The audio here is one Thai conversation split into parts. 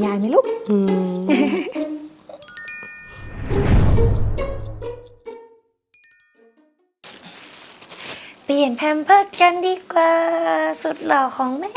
ยายไหมลูกเปลี่ยนแพมเพิร์สกันดีกว่าสุดหล่อของแม่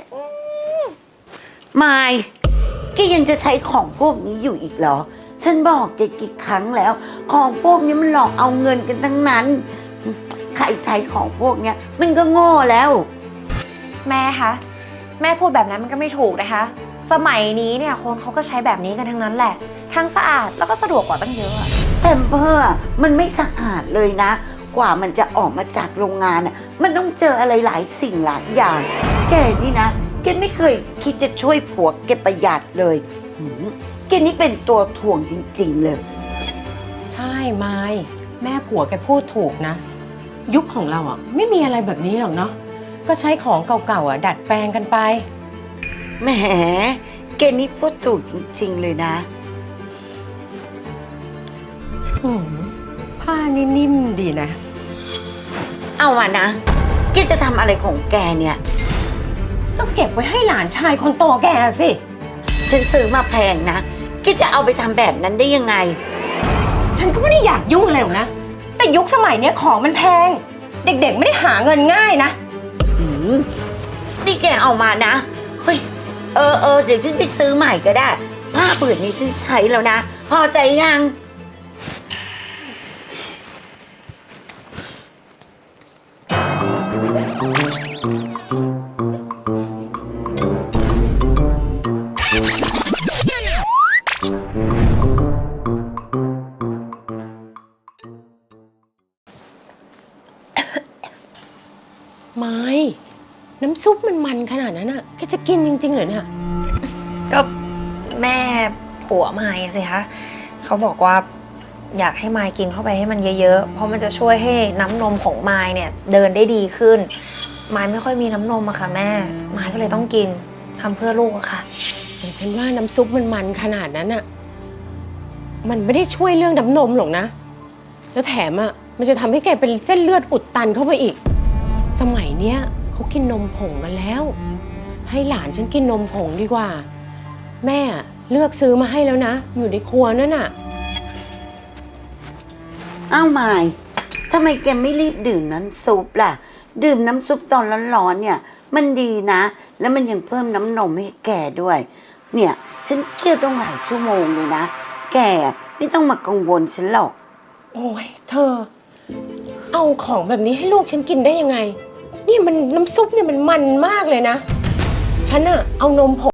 มายแกยังจะใช้ของพวกนี้อยู่อีกเหรอฉันบอกแกกี่ครั้งแล้วของพวกนี้มันหลอกเอาเงินกันทั้งนั้นใครใช้ของพวกเนี้ยมันก็โง่แล้วแม่คะแม่พูดแบบนั้นมันก็ไม่ถูกนะคะสมัยนี้เนี่ยคนเขาก็ใช้แบบนี้กันทั้งนั้นแหละทั้งสะอาดแล้วก็สะดวกกว่าตั้งเยอะแพมเพิร์สมันไม่สะอาดเลยนะกว่ามันจะออกมาจากโรงงานอ่ะมันต้องเจออะไรหลายสิ่งหลายอย่างแกนี่นะแกไม่เคยคิดจะช่วยผัวแกประหยัดเลยแกนี่เป็นตัวถ่วงจริงๆเลยใช่ไม้แม่ผัวแกพูดถูกนะยุคของเราอ่ะไม่มีอะไรแบบนี้หรอกเนาะก็ใช้ของเก่าๆอ่ะดัดแปลงกันไปแหมแกนี่พูดถูกจริงๆเลยนะผ้านี่นิ่มดีนะเอาวะนะแกจะทำอะไรของแกเนี่ยก็เก็บไว้ให้หลานชายคนโตแกสิฉันซื้อมาแพงนะแกจะเอาไปทำแบบนั้นได้ยังไงฉันก็ไม่ได้อยากยุ่งอะไรหรอกนะแต่ยุคสมัยเนี้ยของมันแพงเด็กๆไม่ได้หาเงินง่ายนะนี่แกเอามานะเฮ้ยเดี๋ยวฉันไปซื้อใหม่ก็ได้ผ้าผืนนี้ฉันใช้แล้วนะพอใจยังไม่น้ำซุปมันขนาดนั้นอ่ะแกจะกินจริงๆเหรอเนี่ยก็แม่ผัวมายสิคะเขาบอกว่าอยากให้มายกินเข้าไปให้มันเยอะๆเพราะมันจะช่วยให้น้ำนมของมายเนี่ยเดินได้ดีขึ้นมายไม่ค่อยมีน้ำนมอะค่ะแม่มายก็เลยต้องกินทำเพื่อลูกอะค่ะแต่ฉันว่าน้ำซุปมันขนาดนั้นอ่ะมันไม่ได้ช่วยเรื่องน้ำนมหรอกนะแล้วแถมอ่ะมันจะทำให้แกเป็นเส้นเลือดอุดตันเข้าไปอีกสมัยเนี้ยเขากินนมผงกันแล้วให้หลานฉันกินนมผงดีกว่าแม่เลือกซื้อมาให้แล้วนะอยู่ในครัวนั่นน่ะอ้าวมายทำไมแกไม่รีบดื่มน้ำซุปล่ะดื่มน้ำซุปตอนร้อนๆเนี่ยมันดีนะแล้วมันยังเพิ่มน้ำนมให้แกด้วยเนี่ยฉันเคี่ยวต้องหลายชั่วโมงเลยนะแกไม่ต้องมากังวลฉันหรอกโอ้ยเธอเอาของแบบนี้ให้ลูกฉันกินได้ยังไงนี่มันน้ำซุปเนี่ยมันมากเลยนะฉันอะเอานมผง